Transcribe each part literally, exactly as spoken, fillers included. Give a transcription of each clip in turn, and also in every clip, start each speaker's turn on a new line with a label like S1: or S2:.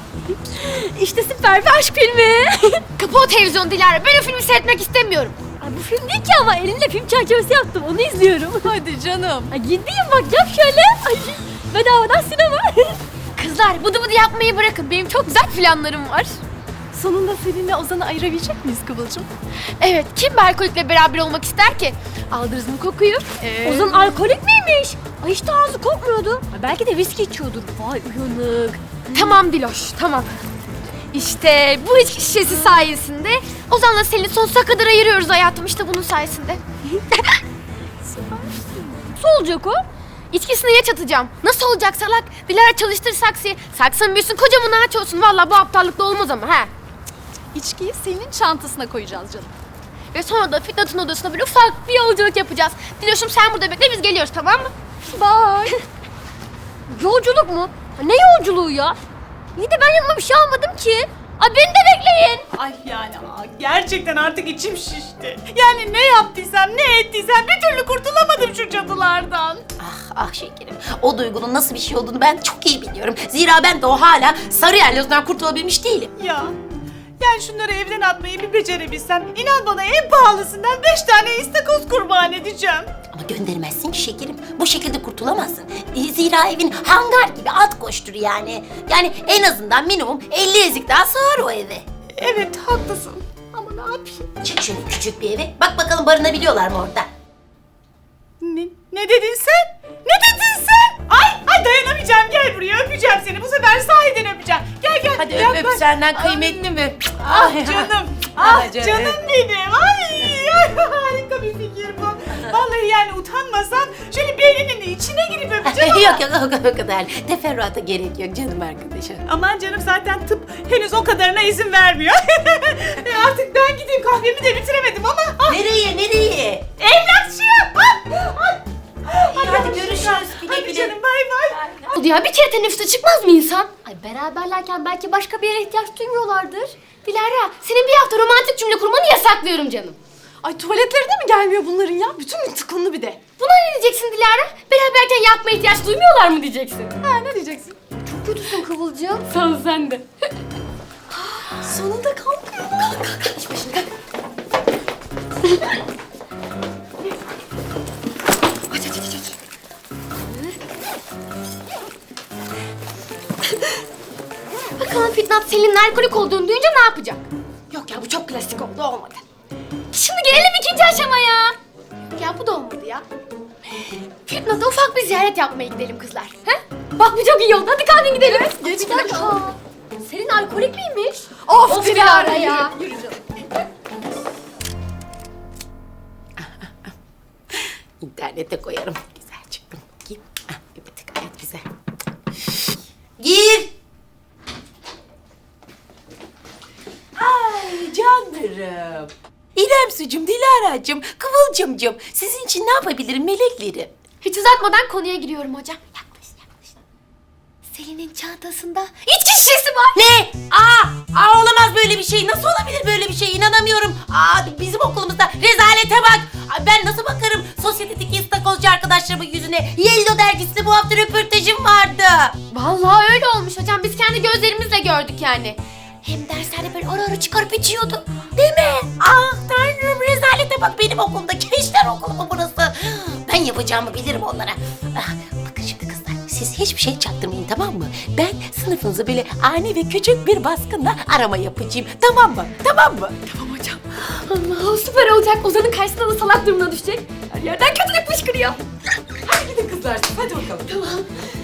S1: İşte süper bir aşk filmi.
S2: Kapı o televizyon Dilara. Ben o filmi seyretmek istemiyorum.
S1: Ay bu film değil ki ama elimle film çerçevesi yaptım. Onu izliyorum.
S3: Hadi canım.
S1: Ay gideyim bak yap şöyle. Ay bedavadan sinema.
S2: Kızlar bıdı bıdı yapmayı bırakın. Benim çok güzel planlarım var.
S3: Sonunda seninle Ozan'ı ayırabilecek miyiz Kıvılcım?
S2: Evet, kim bir alkolikle beraber olmak ister ki? Aldınız mı kokuyu?
S3: Ee...
S1: Ozan alkolik miymiş? Ay hiç de ağzı kokmuyordu. Ay belki de viski içiyordur. Vay uyanık.
S2: Tamam Diloş, tamam. İşte bu içki şişesi sayesinde Ozan'la Selin'i sonsuza kadar ayırıyoruz hayatım. İşte bunun sayesinde.
S1: Nasıl olacak o?
S2: İçkisini ya çatacağım. Nasıl olacak salak? Dilara çalıştır saksıyı. Saksın büyüsün, kocaman ağaç olsun. Vallahi bu aptallıkla olmaz ama ha.
S3: İçkiyi senin çantasına koyacağız canım.
S2: Ve sonra da Fitnat'ın odasına böyle ufak bir yolculuk yapacağız. Diloş'um sen burada bekle, biz geliyoruz, tamam mı?
S1: Bye. Yolculuk mu? Ne yolculuğu ya? İyi de ben yanıma bir şey almadım ki. Ay beni de bekleyin.
S4: Ay yani aa, gerçekten artık içim şişti. Yani ne yaptıysam ne ettiysem bir türlü kurtulamadım şu cadılardan.
S5: Ah ah şekerim. O duygunun nasıl bir şey olduğunu ben çok iyi biliyorum. Zira ben de o hala sarı yerlozdan kurtulabilmiş değilim.
S4: Ya yani şunları evden atmayı bir becerebilsem inan bana en pahalısından beş tane istakoz kurban edeceğim.
S5: Ama göndermezsin ki şekerim. Bu şekilde kurtulamazsın. E, Zira evin hangar gibi at koştur yani. Yani en azından minimum elli ezik daha sığar o eve.
S4: Evet haklısın ama ne yapayım?
S5: Çık şöyle küçük bir eve. Bak bakalım barınabiliyorlar mı orada?
S4: Ne, ne dedin sen? Ne dedin sen? Ay, ay dayanamayacağım, gel buraya öpeceğim seni. Bu sefer sahiden öpeceğim. Gel gel.
S5: Hadi öp
S4: yaklaş.
S5: öp senden kıymetli mi?
S4: Ah canım, ah
S5: Ah canım.
S4: canım benim. Ay, ay harika bir fikir bu. Vallahi yani utanmasam şöyle beyninin içine girip öpeceğim ama.
S5: yok yok o, o kadar. Teferruata gerek yok canım arkadaşım.
S4: Aman canım zaten tıp henüz o kadarına izin vermiyor. e artık ben gideyim, kahvemi de bitiremedim ama. Ah,
S5: Nereye nereye?
S4: evlatçıyım. Ah, ah.
S5: İyi, hadi görüşürüz. Güle
S4: Hadi
S5: güle.
S4: canım bay bay.
S2: Oldu ya, bir kere teneffüse çıkmaz mı insan?
S1: Ay beraberlerken belki başka bir yere ihtiyaç duymuyorlardır.
S2: Dilara, senin bir hafta romantik cümle kurmanı yasaklıyorum canım.
S3: Ay tuvaletlerine mi gelmiyor bunların ya? Bütün gün tıkınlı bir de.
S2: Buna ne diyeceksin Dilara? Beraberken yapmaya ihtiyaç duymuyorlar mı diyeceksin?
S3: Ha ne diyeceksin?
S1: Çok kötüsün Kıvılcım.
S2: Sağ ol, sen de.
S3: Sonunda kalkıyor. Kalk kalk kalk. İç başını kalk. Aç aç aç aç.
S2: Bakalım Fitnat Selin'in alkolik olduğunu duyunca ne yapacak? Yok ya, bu çok klasik oldu, olmadı. Şimdi gelelim ikinci aşamaya. Ya bu da olmadı ya. Fitnat'a ufak bir ziyaret yapmaya gidelim kızlar. He? Bak bu çok iyi oldu, hadi kalkın gidelim.
S3: Geç
S1: Bir dakika. Senin alkolik miymiş?
S3: Of,
S2: Of
S3: Dilara
S2: Dilara ya.
S3: ya. Yürü, yürü canım.
S5: İnternete koyarım. Güzel çıktım. Bakayım. Ah, evet gayet güzel. Gir. Ay canlarım. İrem sucum, Dilara'cığım, Kıvılcımcığım. Sizin için ne yapabilirim meleklerim?
S2: Hiç uzatmadan konuya giriyorum hocam. Yaklaş, yaklaş. Selin'in çantasında içki şişesi var.
S5: Ne? Aa, aa olamaz böyle bir şey. Nasıl olabilir böyle bir şey? İnanamıyorum. Aa bizim okulumuzda rezalete bak. Ay, ben nasıl bakarım sosyetedeki istakozcu arkadaşlarımın yüzüne? Yellow dergisinde bu hafta röportajım vardı.
S2: Vallahi öyle olmuş hocam. Biz kendi gözlerimizle gördük yani. Hem derslerde böyle ara ara çıkarıp içiyordu.
S5: Değil mi? Ah tanrım rezalete bak benim okulumda. Gençler okulu mu burası? Ben yapacağımı bilirim onlara. Ah, bakın şimdi kızlar siz hiçbir şey çaktırmayın tamam mı? Ben sınıfınızı böyle ani ve küçük bir baskınla arama yapacağım. Tamam mı? Tamam mı?
S2: Tamam hocam. Allah süper olacak. Ozan'ın karşısında da salak durumuna düşecek. Her yerden kötülük fışkırıyor.
S3: Hadi gidin kızlar. Hadi bakalım.
S2: Tamam.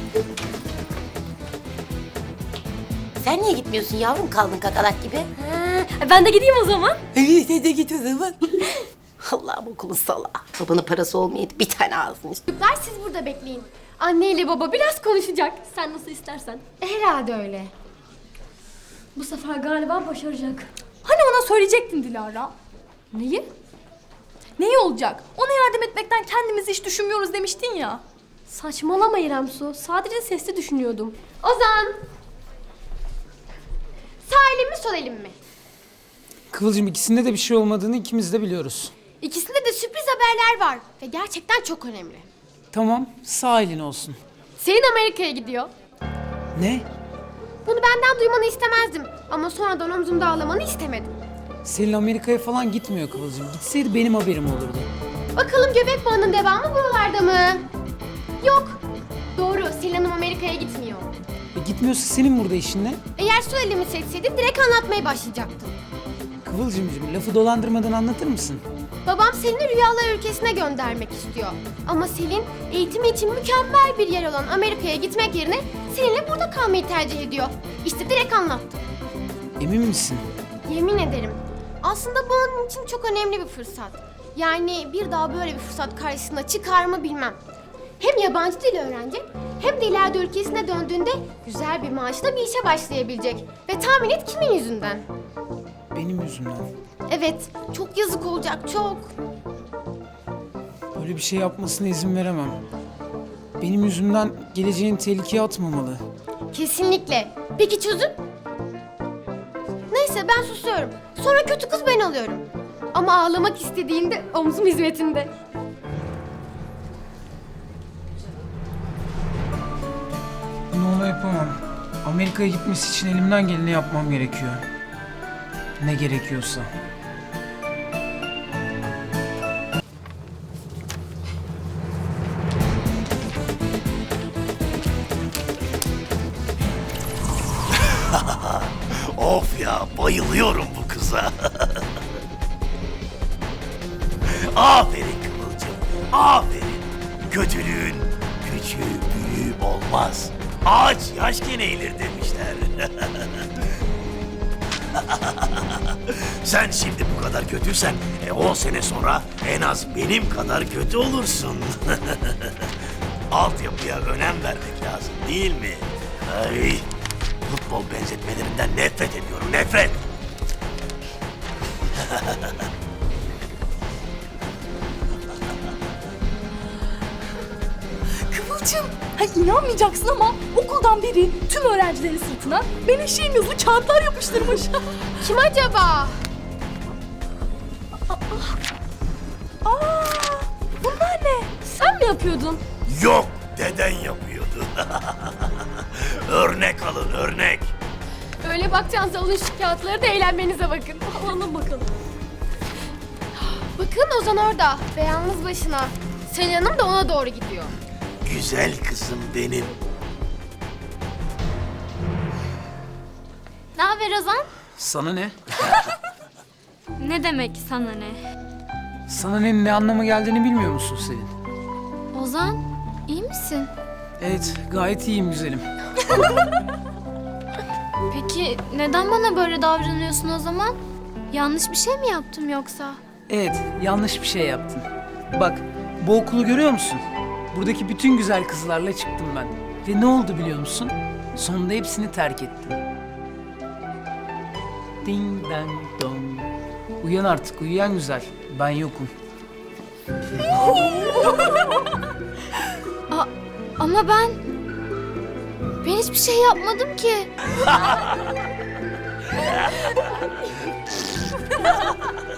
S5: Sen niye gitmiyorsun yavrum kaldın kakalak gibi?
S1: Ha, ben de gideyim o zaman.
S5: Sen de git o zaman. Allah'ım okulun salağı. Babanın parası olmayıp bir tane ağzını işte.
S2: Çocuklar siz burada bekleyin. Anne ile baba biraz konuşacak.
S1: Sen nasıl istersen.
S2: Herhalde öyle.
S1: Bu sefer galiba başaracak.
S3: Hani ona söyleyecektin Dilara?
S1: Neyi?
S3: Neyi olacak? Ona yardım etmekten kendimizi hiç düşünmüyoruz demiştin ya.
S1: Saçmalama İrem Su. Sadece sesli düşünüyordum.
S2: Ozan. Sağ elim mi sol elim mi?
S6: Kıvılcım ikisinde de bir şey olmadığını ikimiz de biliyoruz.
S2: İkisinde de sürpriz haberler var. Ve gerçekten çok önemli.
S6: Tamam sağ elin olsun.
S2: Selin Amerika'ya gidiyor.
S6: Ne?
S2: Bunu benden duymanı istemezdim. Ama sonradan omzumda ağlamanı istemedim.
S6: Selin Amerika'ya falan gitmiyor Kıvılcım. Gitseydi benim haberim olurdu.
S2: Bakalım göbek bağının devamı buralarda mı? Yok. Doğru, Selin Hanım Amerika'ya gitmiyor.
S6: E gitmiyorsa senin burada işin ne?
S2: Eğer su elimi seçseydi direkt anlatmaya başlayacaktım.
S6: Kıvılcımcığım lafı dolandırmadan anlatır mısın?
S2: Babam Selin'i rüyalar ülkesine göndermek istiyor. Ama Selin eğitimi için mükemmel bir yer olan Amerika'ya gitmek yerine Selin'le burada kalmayı tercih ediyor. İşte direkt anlattım.
S6: Emin misin?
S2: Yemin ederim. Aslında bu onun için çok önemli bir fırsat. Yani bir daha böyle bir fırsat karşısına çıkar mı bilmem. Hem yabancı dil öğrenecek hem de ileride ülkesine döndüğünde güzel bir maaşla bir işe başlayabilecek. Ve tahmin et kimin yüzünden?
S6: Benim yüzümden.
S2: Evet, çok yazık olacak, çok.
S6: Böyle bir şey yapmasına izin veremem. Benim yüzümden geleceğini tehlikeye atmamalı.
S2: Kesinlikle. Peki çözüm? Neyse ben susuyorum. Sonra kötü kız ben alıyorum. Ama ağlamak istediğinde omzum hizmetinde.
S6: Bunu ona yapamam. Amerika'ya gitmesi için elimden geleni yapmam gerekiyor. Ne gerekiyorsa.
S7: Of ya, bayılıyorum bu kıza. Aferin Kıvılcım, aferin. Kötülüğün küçüğü büyüğü olmaz. Ağaç yaşken eğilir demişler. Sen şimdi bu kadar kötüysen, e, on sene sonra en az benim kadar kötü olursun. Altyapıya önem vermek lazım değil mi? Ay, futbol benzetmelerinden nefret ediyorum, nefret.
S3: Kıvılcım, ha, inanmayacaksın ama okuldan biri tüm öğrencilerin sırtına ben eşeğim yazılı kağıtlar yapıştırmış.
S2: Kim acaba?
S3: Aa, bunlar ne?
S1: Sen mi yapıyordun?
S7: Yok, deden yapıyordu. Örnek alın, örnek.
S2: Öyle bakacağınız alın şu kağıtları da eğlenmenize bakın.
S1: Alalım bakalım.
S2: Bakın Ozan orada ve yalnız başına. Selin Hanım da ona doğru gidiyor.
S7: Güzel kızım benim.
S1: Ne haber Ozan?
S6: Sana ne?
S1: Ne demek sana ne?
S6: Sana ne, ne anlama geldiğini bilmiyor musun Selin?
S1: Ozan, iyi misin?
S6: Evet, gayet iyiyim güzelim.
S1: Peki neden bana böyle davranıyorsun o zaman? Yanlış bir şey mi yaptım yoksa?
S6: Evet, yanlış bir şey yaptın. Bak, bu okulu görüyor musun? Buradaki bütün güzel kızlarla çıktım ben. Ve ne oldu biliyor musun? Sonunda hepsini terk ettim. Ding dang dong. Uyan artık, uyuyan güzel. Ben yokum.
S1: A- ama ben... Ben hiçbir şey yapmadım ki.